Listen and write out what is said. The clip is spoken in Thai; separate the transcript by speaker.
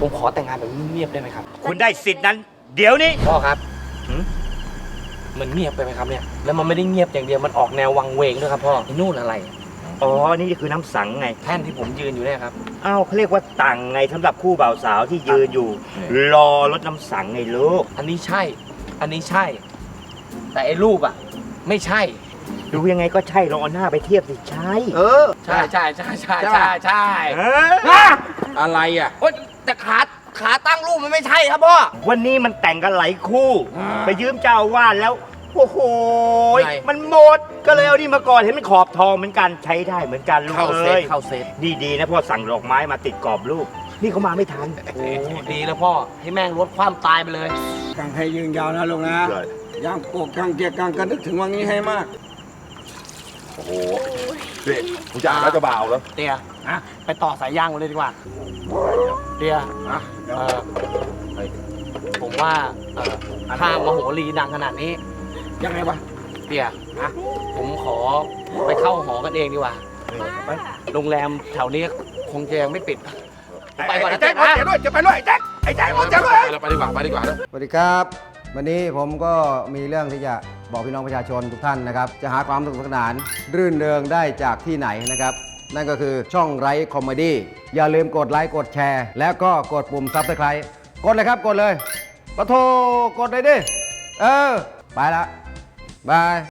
Speaker 1: ผมขอแต่งงานแบบเงียบๆได้ไหมครับ
Speaker 2: คุณได้สิทธิ์นั้น เดี๋ยวนี้
Speaker 1: พ่อครับมันเงียบไปไหมครับเนี่ยแล้วมันไม่ได้เงียบอย่างเดียวมันออกแนววังเวงด้วยครับพ่อไอ้นู่นอะไร
Speaker 2: อ๋อ นี่คือน้ำสังไง
Speaker 1: แท่นที่ผมยืนอยู่เนี่ยครับ
Speaker 2: อ้าวเขาเรียกว่าตังไงสำหรับคู่บ่าวสาวที่ยืนอยู่ รอรถน้ำสังไงลูก
Speaker 1: อันนี้ใช่ อันนี้ใช่ แต่ไอ้รูปอ่ะ ไม่ใช่
Speaker 2: ดูยังไงก็ใช่ลองเอาหน้าไปเทียบสิใช่
Speaker 1: ใช่ใช่ใช่ใช่ใช่ใช่
Speaker 2: เออ
Speaker 3: อะไรอ่ะ
Speaker 1: โอ๊ยแต่ขาตั้งรูปมันไม่ใช่ครับพ่อ
Speaker 2: วันนี้มันแต่งกันหลายคู่ ไปยืมเจ้าอาวาดแล้ว โอ้โห
Speaker 1: ไง
Speaker 2: มันหมด ก็เลยเอานี่มาก่อนเห็นมันขอบทองเหมือนกันใช้ได้เหมือนกันลูก
Speaker 1: เข้าเซ
Speaker 2: เอ้
Speaker 1: ต
Speaker 2: ย
Speaker 1: เข้าเซต
Speaker 2: ดีๆนะพ่อสั่งดอกไม้มาติดกรอบลูก นี่เขามาไม่ทัน
Speaker 1: โอ้ดีแล้วพ่อ ให้แม่งลดความตายไปเลย
Speaker 3: กังให้ยืนยาวนะลุงนะย่างปกกังเกียร์กังก็นึกถึงวันนี้ให้มาก
Speaker 4: โอ้โหนี่มึงจะอ่านแล้วจะบ่าวแล้ว
Speaker 1: เตียไปต่อสายยางกันเลยดีกว่า เตียเอ่อผมว่าถ้ามโหรีดังขนาดนี้
Speaker 3: ยังไงวะ
Speaker 1: เตียผมขอไปเข้าหอกันเองดีกว่าโรงแรมแถวนี้คงจะยังไม่ปิด ไปก่อนนะ
Speaker 4: แจ็
Speaker 1: เตี
Speaker 4: ค
Speaker 1: ย
Speaker 4: จะด้วยจะไปด้วยแจ็คไอ้แจ็คมึงจะด้วย
Speaker 5: ไปดีกว่าไปดีกว่านะ
Speaker 6: สวัสดีครับ วันนี้ผมก็มีเรื่องที่จะบอกพี่น้องประชาชนทุกท่านนะครับ จะหาความสนุกสนานรื่นเริงได้จากที่ไหนนะครับ นั่นก็คือช่องไร้คอมเมดี้อย่าลืมกดไลค์กดแชร์ แล้วก็กดปุ่มซับสไครต์กดเลยครับกดเลยปะโทกดเลยดิ ไปละบาย